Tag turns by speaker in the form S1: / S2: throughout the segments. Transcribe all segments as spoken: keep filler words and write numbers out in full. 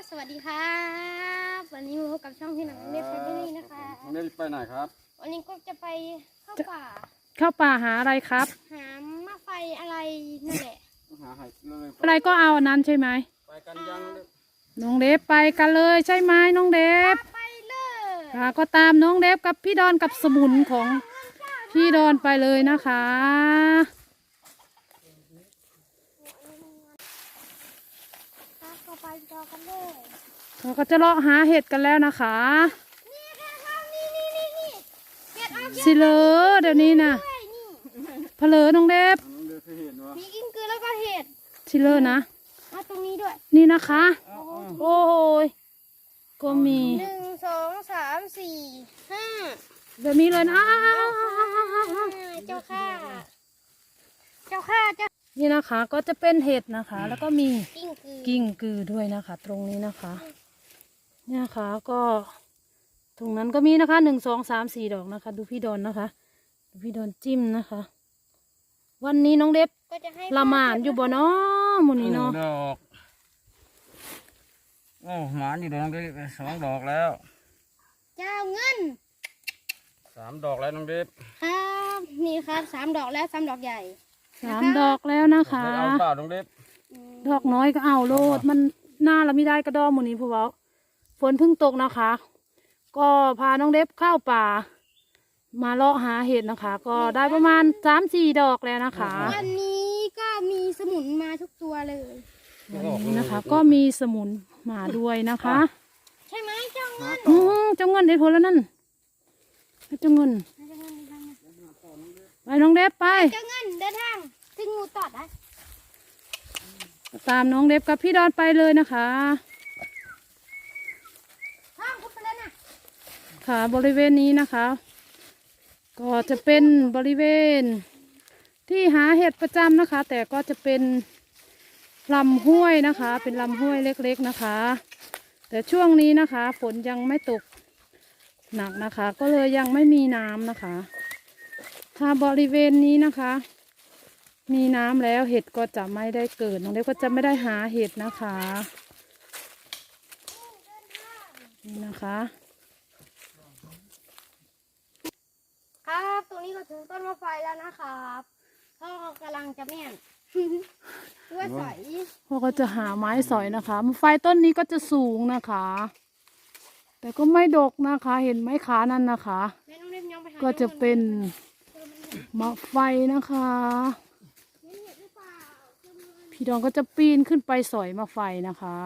S1: สวัสดีครับวันนี้มาพบกับช่องที่หนังเล็บแฟมิลี่นะคะ
S2: น้องเล็บไปไหนครับ
S1: วันนี้ก็จะไปเข้าป่า
S3: เข้าป่าหาอะไรครับ
S1: หาหม้อไฟอะไรนั่นแหละ
S2: หาหายเลย
S3: อะไรก็เอาอันนั้นใช่ไหม
S2: ไปกันยัง
S3: น้องเล็บไปกันเลยใช่ไหมน้องเล็บ
S1: ไปเลย
S3: ค่ะก็ตามน้องเล็บกับพี่ดอนกับสมุนของพี่ดอนไปเลยนะคะ
S1: ก็ไปจอกันเลย
S3: เราก็จะเลาะหาเห็ดกันแล้วนะคะ
S1: นี่ค่ะนี่นี่นี่นี่เห็ดออก
S3: สิเลอเดี๋ยวนี้นะเพลอน้องเล็บ
S1: มีกิ้งกือแล้วก็เห็ด
S3: สิเลอนะ
S1: มาตรงนี้ด้วย
S3: นี่นะคะโอ้ยก็มี
S1: หนึ่งสองสามสี่ห้า
S3: แบบนี้เลยนะ
S1: เจ้าค่ะเจ้าค่ะเจ้า
S3: นี่นะคะก็จะเป็นเห็ดนะคะแล้วก็มี
S1: กิ้งกือ
S3: กิ้งกือด้วยนะคะตรงนี้นะคะเนี่ยนะคะก็ตรงนั้นก็มีนะคะหนึ่งสองสามสี่ดอกนะคะดูพี่ดอนนะคะดูพี่ดอนจิ้มนะคะวันนี้น้องเด็บละหมานอยู่บ่เนาะหมูนี้เนาะ
S2: ดอกโอ้หมานอยู่ดอกเด็บสองดอกแล้ว
S1: เจ้าเงิน
S2: สามดอกแล้วน้องเด็บ
S1: ครับนี่ครับสามดอกแล้วสามดอกใหญ่
S3: สามดอกแล้วนะคะ
S2: เอาเปล่าน้องเด็บ
S3: ดอกน้อยก็เอาโลดมันหน้าเราไม่ได้กระดอมหมูนี้พวกเราฝนเพิ่งตกนะคะก็พาน้องเด็บเข้าป่ามาเลาะหาเห็ดนะคะก็ได้ประมาณสามสี่ดอกแล้วนะคะ
S1: วันนี้ก็มีสมุนมาทุกตัวเลย
S3: วันนี้นะคะก็มีสมุนมาด้วยนะคะ
S1: ใช่ไหมเจ้าเงิน
S3: อืมเจ้าเงินได้ผลแล้วนั่นเจ้าเงินไปน้องเด็บไป
S1: เจ้าเงินเดินทางถึงงูตอดได้
S3: ตามน้องเด็บกับพี่ดอนไปเลยนะคะค่ะบริเวณนี้นะคะก็จะเป็นบริเวณที่หาเห็ดประจำนะคะแต่ก็จะเป็นลำห้วยนะคะเป็นลำห้วยเล็กๆนะคะแต่ช่วงนี้นะคะฝนยังไม่ตกหนักนะคะก็เลยยังไม่มีน้ำนะคะถ้าบริเวณนี้นะคะมีน้ำแล้วเห็ดก็จะไม่ได้เกิดน้องเด็กก็จะไม่ได้หาเห็ดนะคะนี่นะคะ
S1: ครับตรงนี้ก็ถึงต้นมะไฟแล้วนะครับพ่อกำลังจะแม่นด้วยสอย
S3: พ่อก็จะหาไม้สอยนะคะมะไฟต้นนี้ก็จะสูงนะคะแต่ก็ไม่ดกนะคะเห็นไม้ขานั่นนะคะก็จะเป็นมะไฟนะคะพี่ดองก็จะปีนขึ้นไปสอยมะไฟนะคะ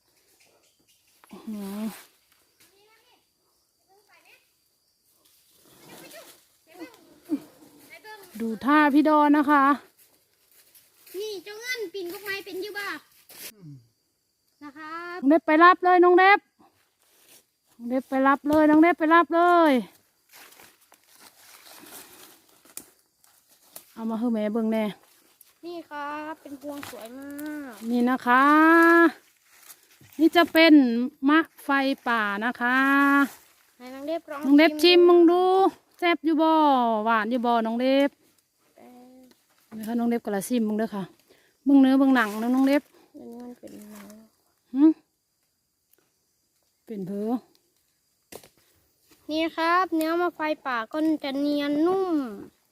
S3: ดูท่าพี่ดอนนะคะ
S1: นี่เจ้าเงินปีนก็ไม้เป็นอยู่บ้านะคะ
S3: น้องเด็บไปรับเลยน้องเด็บน้องเด็บไปรับเลยน้องเด็บไปรับเลยเอามาให้แม่เบิ่งแน่
S1: นี่ครับเป็นพวงสวยมาก
S3: นี่นะคะนี่จะเป็นมะไฟป่านะคะ
S1: ให้น้องเด็บลอง
S3: น้องเด็บชิมมึงดูแซ่บอยู่บ่หวานอยู่บ่น้องเด็บนี่ค่ะน้องเด็บกระซิมมึงเด้อค่ะมึงเนื้อมึงหนังนะน้องเด็บ
S1: อันนี้มันเป็นอะไร
S3: หืมเป็นเพอ
S1: นี่ครับเนื้อมะไฟป่าก็จะเนียนนุ่ม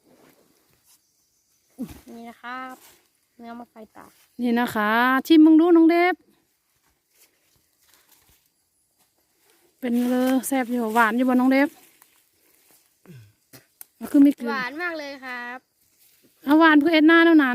S1: นี่นะครับเนื้อมะไฟป่า
S3: นี่นะคะชิมมึงดูน้องเด็บเป็นเลยแซ่บอยู่หวานอยู่บ่น้องเด็บคือมี
S1: หวานมากเลยครับ
S3: เอาหวานเพื่อเอ็ดหน้าเท่านั้น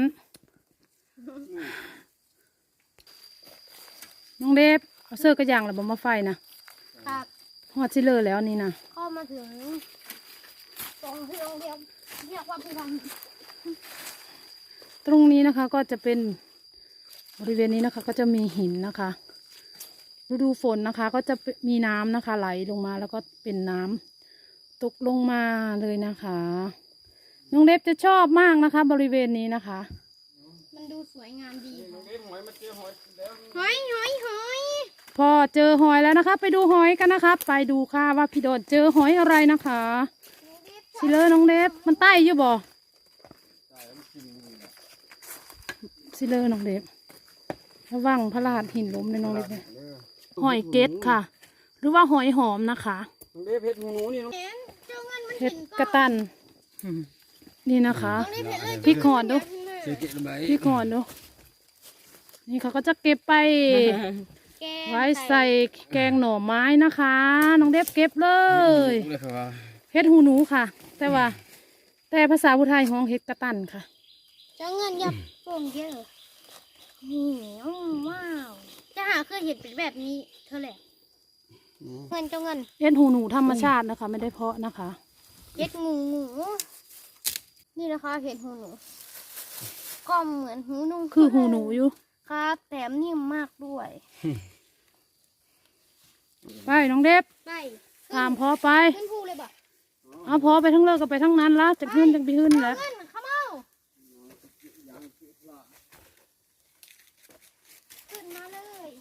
S3: น้องเด็บเอาเสื้อกระยางหรือบ่มาไฟนะครับหอดชิเลอร์แล้วนี่นะ
S1: เข้ามาถึงตรงที่โรงเรียนเรียกว่าพิพันธ์
S3: ตรงนี้นะคะก็จะเป็นบริเวณนี้นะคะก็จะมีหินนะคะฤดูฝนนะคะก็จะมีน้ำนะคะไหลลงมาแล้วก็เป็นน้ำตกลงมาเลยนะคะน้องเล็บจะชอบมากนะคะบริเวณนี้นะคะ
S1: มันดูสวยงามดีหอยหอยหอย
S3: พอเจอหอยแล้วนะคะไปดูหอยกันนะคะไปดูค่ะว่าพี่โดดเจอหอยอะไรนะคะสิเลอน้องเล็บมันใต้อยู่บ่สิเลอน้องเล็บระวังพลาดหินล้มในน้องเล็บเนี่ยหอยเกตค่ะ หรือว่าหอยหอมนะคะ
S2: น้องเด็บเห็ดหูหนูนี่น้อง
S1: เห็นเจ้าเงินมัน
S3: เห็
S1: เห็
S3: ด
S1: น
S3: กระตันนี่นะคะ
S1: น้องเด็บเห็นเลย
S3: พริกหอนดู
S2: เจ๊เกะลงไป
S3: พี่ก่อนดูนี่เขาก็จะเก็บไป
S1: แกง
S3: ไว้ใส่แกงหน่อไม้นะคะ น้องเด็บเก็บเลย
S2: เลยครับว่า
S3: เฮ็ดหูหนูค่ะ แต่ว่า แต่ภาษาพุทไทยห้องเฮ็ดกระตันค่ะ
S1: เจ้าเงินยับโป่งเยอะนี่อืมว้าวจะหาเคยเห็นเป็นแบบนี้เธอแหละเงินเจ้าเงิน
S3: เฮ็ดหูหนูธรรมชาตินะคะ ไม่ได้เพาะนะคะ
S1: เห็ดงูหมูนี่นะคะเห็ดหูหนูก็เหมือนหูหนู
S3: คือหูหนูอยู่
S1: ครับแถมนิ่มมากด้วย
S3: ไปน้องเด็บ
S1: ไป
S3: ตามพอไป
S1: ขึ้นภูเลยบ่
S3: เอาพอไปทั้งเลิกก็ไปทั้งนั้นละจะขึ้นจะไปขึ้นแล้ว
S1: เงินเข้ามาขึ้นมาเลย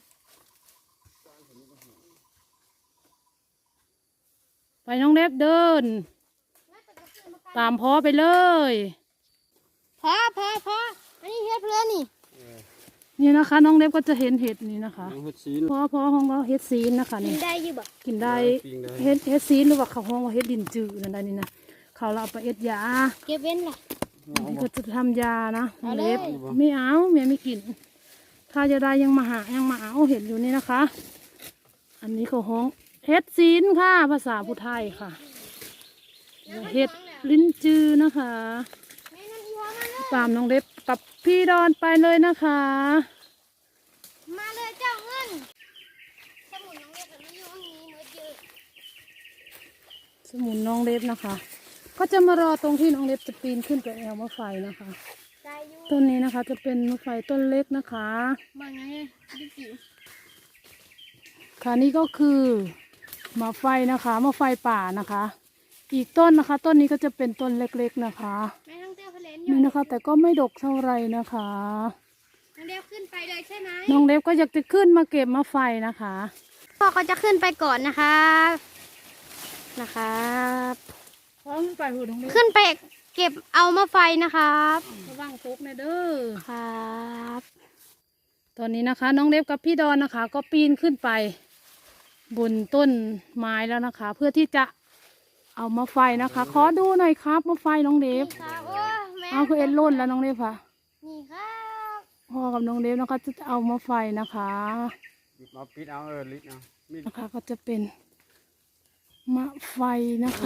S3: ไปน้องเด็บเดิน ตามพอไปเลย
S1: พอพอพออันนี้เฮ็ดเพื่อนนี่
S3: นี่นะคะ น้องเด็บก็จะเห็นเห็ดนี่นะคะ
S2: น้องเห็ดซีน
S3: พอพอห้องเราเฮ็ดซีนนะคะ
S1: กิ
S3: นี่
S1: นได้อยู่บ่
S3: กินได้
S2: ปิ้งได้
S3: เฮ็ดเฮ็ดซีนหรือว่าเขาห้องว่าเฮ็ดดินจืดนั่นได้นี่นะเขาเราเอาไปเอ็ดยา
S1: เก็บเว้นล่ะ
S3: อันนี้ก็จะทำยานะ
S1: เอาเลย
S3: เล็บไม่เอาเมียไม่กิน ถ้าจะได้ยังมาหายังมาเอาเห็นอยู่นี่นะคะ อันนี้เขาห้องเฮ็ดซีนค่ะ ภาษาพุทธไทยค่ะเฮ็ดลิ้นจือนะคะ
S1: แม่นั่นอีหัวมาเลย
S3: ตามน้องเล็บกับพี่ดอนไปเลยนะคะ
S1: มาเลยเจ้าเงินสมุนน้องเล็กกับน้องยูนี้เมื่อเจอ
S3: สมุนน้องเล็บนะคะ ก็จะมารอตรงที่น้องเล็บจะปีนขึ้นไปแอวมะไฟนะคะ
S1: ใจอยู่
S3: ต้นนี้นะคะจะเป็นมะไฟต้นเล็กนะคะ
S1: บางไงดิจิ๋ว
S3: ค่ะนี่ก็คือมะไฟนะคะมะไฟป่านะคะ อีกต้นนะคะ ต้นนี้ก็จะเป็นต้นเล็กๆนะคะ
S1: แม่ทั้งเต้าเพลนอ
S3: นี่
S1: ยู่
S3: นะคะ แต่ก็ไม่ดกเท่าไหรนะคะ
S1: น้องเล็กขึ้นไปเลยใช่ไหม
S3: น้องเล็บก็อยากจะขึ้นมาเก็บมะไฟนะคะ
S1: พ่อก็จะขึ้นไปก่อนนะครับนะครับ
S3: พร้อมไปหูน้องเล็บ
S1: ขึ้นไปเก็บเอามาไฟนะครับ
S3: ระวังตกนะเด้อ
S1: ครับ
S3: ตอนนี้นะคะ น้องเล็บกับพี่ดอนนะคะ ก็ปีนขึ้นไป บนต้นไม้แล้วนะคะ เพื่อที่จะเอามาไฟนะคะ ขอดูหน่อยครับมาไฟน้องเล็บ
S1: นี่ครับโอ้แม่
S3: เอาคือเอ็นล่นแล้วน้องเล็บค่ะ
S1: นี่ครับ
S3: พ่อกับน้องเล็บนะคะจะเอามาไฟนะคะ
S2: มาปิดเอาเออลิดเอามีด
S3: นะคะก็จะเป็นมะไฟนะคะ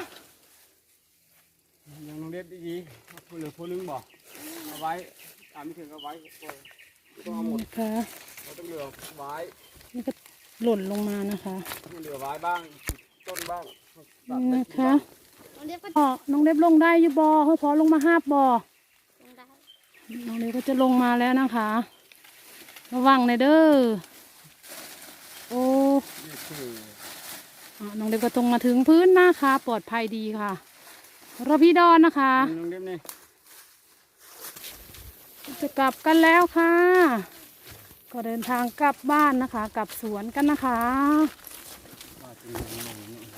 S2: ยังน้องเด็บดีๆเอาผู้เหลือผู้ลึงบอกเอาไว้ตามไม่ถึงเอาไว้ก็เอาหมด
S3: นะคะ
S2: เราต้องเหลือไว้
S3: นี่ก็หล่นลงมานะคะ
S2: ให้เหลือไว้บ้างต้นบ้างตัด
S3: นี่
S2: ไป
S3: นะ
S2: กิน
S3: คะ
S2: บ้าง
S1: น้องเล็กก็
S3: พ่อน้องเล็บลงได้อยู่บอเขาพอลงมาห้าบบอ
S1: ลงได้
S3: น้องเล็บก็จะลงมาแล้วนะคะ ระวังเลยเด้อโอ้
S2: นี่คือ
S3: อ่ะน้องเล็บก็ตรงมาถึงพื้นนะคะ ปลอดภัยดีค่ะรอพี่ดอนนะคะ
S2: น้องเด็บนี่
S3: จะกลับกันแล้วค่ะ ก็เดินทางกลับบ้านนะคะ กลับสวนกันนะคะ
S2: ว่าจริงๆนี่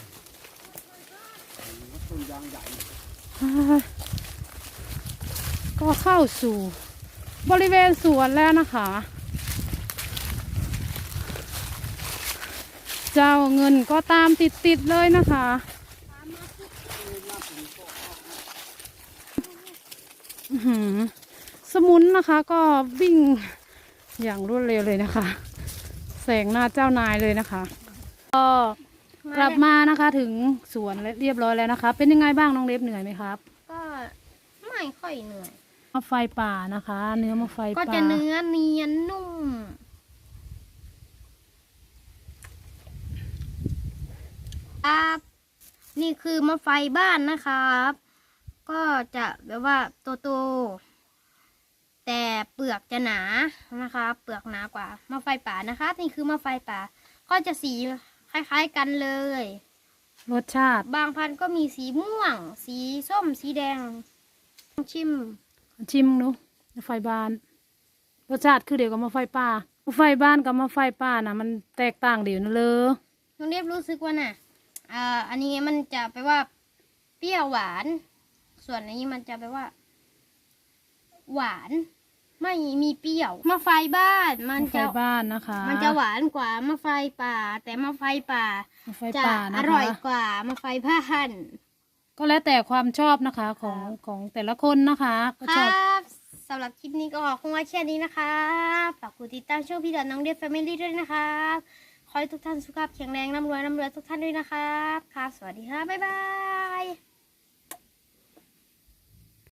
S2: ต้นยางใหญ่
S3: ก็เข้าสู่บริเวณสวนแล้วนะคะ เจ้าเงินก็ตามติดๆเลยนะคะอื้อหือสมุนนะคะก็วิ่งอย่างรวดเร็วเลยนะคะ แสงหน้าเจ้านายเลยนะคะ ก็กลับมานะคะถึงสวนเรียบร้อยแล้วนะคะ เป็นยังไงบ้างน้องเล็บเหนื่อยไหมครับ
S1: ก็ไม่ค่อยเหนื่อย
S3: มะไฟป่านะคะ เนื้อมะไฟ
S1: ก็
S3: ป่า
S1: จะเนื้อเนียนนุ่มครับนี่คือมะไฟบ้านนะครับ ก็จะแบบว่าโตๆแต่เปลือกจะหนานะคะเปลือกหนากว่ามะไฟป่านะคะนี่คือมะไฟป่า ก็จะสีคล้ายๆกันเลย
S3: รสชาติ
S1: บางพันธุ์ก็มีสีม่วง สีส้มสีแดงชิม
S3: ชิมดูมะไฟบ้าน รสชาติคือเดียวกับมะไฟป่ามะไฟบ้านกับมะไฟป่านะมันแตกต่างเดียวนะเลย
S1: น้องเรียบรู้สึกว่าน่ะอ่าอันนี้มันจะแปลว่าเปรี้ยวหวาน ส่วนอันนี้มันจะแปลว่า หวานไม่มีเปรี้ยวมะไฟบ้านมัน
S3: ไฟ
S1: จะ
S3: บ้านนะคะ
S1: มันจะหวานกว่ามะไฟป่า แต่มะไฟป่า
S3: ไฟ
S1: จะ
S3: ป่า
S1: อ
S3: นะคะ
S1: ร่อยกว่ามะไฟบ้าน
S3: ก็แล้วแต่ความชอบนะคะของของแต่ละคนนะคะก็
S1: ค
S3: ชอบ
S1: รับสำหรับคลิปนี้ก็คงไว้แค่นี้นะครับฝากกดติดตามช่องพี่ดอนน้องเดียแฟมิลี่ด้วยนะครับขอให้ทุกท่านสุขภาพแข็งแรงร่ำรวยร่ำรวยทุกท่านด้วยนะครับครับสวัสดีครับบ๊ายบาย